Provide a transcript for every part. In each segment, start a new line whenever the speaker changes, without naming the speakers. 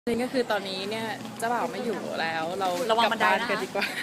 นี่ก็คือตอนนี้เนี่ยเจ้าบ่าวไม่อยู่แล้วเรา
ระวัง
กลั
บันได
บ้าน
นะคะ
กันดีกว่า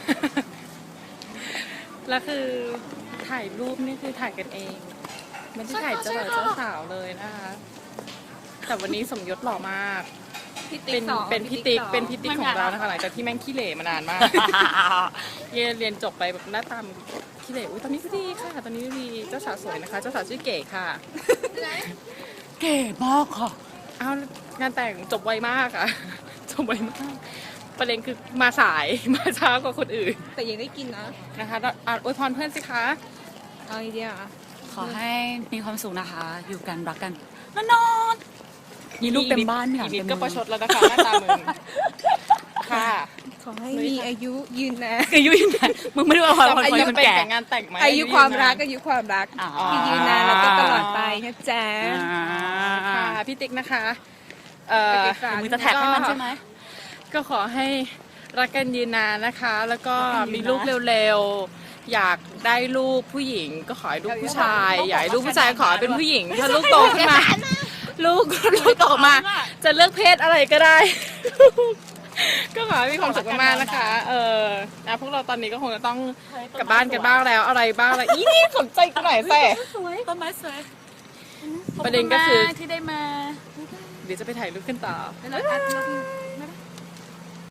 แล้วคือถ่ายรูปนี่คือถ่ายกันเองไม่ได้ถ่ายเจ้าบ่าวเจ้าสาวเลยนะคะ แต่วันนี้สมยศหล่อมาก เป็นพี่ติ๊กของเรานะคะหลังจากที่แม่งขี้เหร่มานานมาก เรียนจบไปแบบหน้าตามขี้เหร่อุ้ยตอนนี้ก็ดีค่ะตอนนี้ดีเจ้าสาวสวยนะคะ เจ้าสาวชื่อเก๋ค่ะ
เก๋มากค่ะ
อ้าวงานแต่งจบไวมากอะ จบไวมาก ประเด็นคือมาสาย มาช้ากว่าคนอื่น
แต่ยังได้กินนะ
นะคะอวยพรเพื่อนสิคะ
เอาไอเดียอ่ะ
ขอให้มีความสุขนะคะ อยู่กันรักกันนอนมีลูกเต็มบ้านค่ะ
อีนิด
เต็ม
ก็ประชดแล้วนะคะหน้าตามึงค่ะ
ขอให้มีอายุยืนนะ
คือยุ่ยนะมึงไม่ได้ว่าความ
อายุ
คน
เป็น
แก่
แต่งงานแต่งไหม
อายุความรักอายุความรัก
อ๋อ
ที่ยืนนานแล้วก็ตลอดไปนะจ๊ะ
ค่ะพี่ติ๊กนะคะ
มึงจะแท็กให้มันใช่ไหม
ก็ขอให้รักกันยืนนานนะคะ แล้วก็มีลูกเร็วๆ อยากได้ลูกผู้หญิงก็ขอให้ลูกผู้ชาย อยากให้ลูกผู้ชายขอให้เป็นผู้หญิงถ้าลูกโตขึ้นมา ลูกโตมา จะเลือกเพศอะไรก็ได้ ก็ขอให้มีความสุขมากๆนะคะ พวกเราตอนนี้ก็คงจะต้องกลับบ้านกันบ้างแล้วอะไรบ้างอะไรอีนี่สนใจกูหน่อยแซ่
สวยต้นไม้สวย
ประเด็นก็คือ
ขบณมากที่ได้มา
เดี๋ยวจะไปถ่ายรูปกันต่อ
แล้วอัด